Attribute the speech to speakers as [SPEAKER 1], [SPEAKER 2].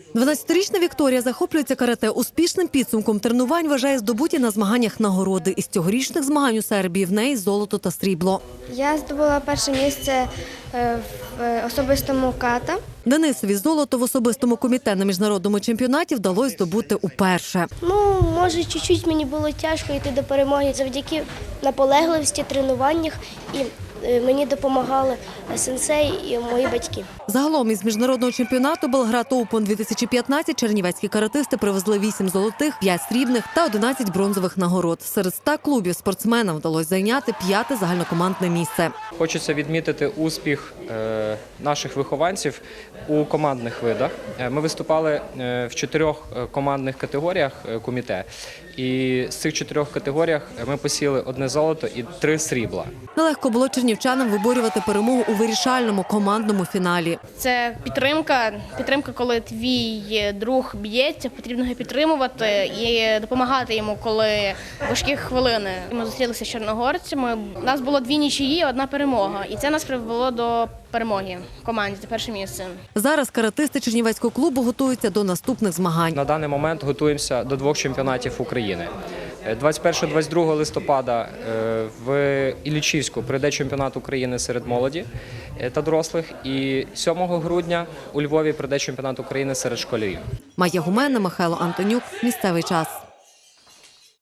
[SPEAKER 1] 12-річна Вікторія захоплюється карате. Успішним підсумком тренувань вважає здобуті на змаганнях нагороди. Із цьогорічних змагань у Сербії в неї золото та срібло.
[SPEAKER 2] Я здобула перше місце в особистому ката.
[SPEAKER 1] Денисові золото в особистому комітеті на міжнародному чемпіонаті вдалося здобути уперше.
[SPEAKER 2] Може, чуть-чуть мені було тяжко йти до перемоги завдяки наполегливості, тренуваннях і мені допомагали сенсей і мої батьки.
[SPEAKER 1] Загалом із міжнародного чемпіонату Белград Оупен 2015 чернівецькі каратисти привезли 8 золотих, 5 срібних та 11 бронзових нагород. Серед 100 клубів спортсменам вдалося зайняти 5-те загальнокомандне місце.
[SPEAKER 3] Хочеться відмітити успіх наших вихованців у командних видах. Ми виступали в 4 командних категоріях комітету. І з цих 4 категоріях ми посіли 1 золото і 3 срібла.
[SPEAKER 1] Нелегко було чернівчанам виборювати перемогу у вирішальному командному фіналі.
[SPEAKER 4] Це підтримка, коли твій друг б'ється, потрібно його підтримувати і допомагати йому, коли важкі хвилини. Ми зустрілися з чорногорцями, у нас було 2 нічиї, 1 перемога. І це нас привело до перемоги в команді, за перше місце.
[SPEAKER 1] Зараз каратисти чернівецького клубу готуються до наступних змагань.
[SPEAKER 3] На даний момент готуємося до 2 чемпіонатів України. 21-22 листопада в Іллічівську прийде чемпіонат України серед молоді та дорослих. І 7 грудня у Львові прийде чемпіонат України серед школярів.
[SPEAKER 1] Майя Гуменна, Михайло Антонюк. Місцевий час.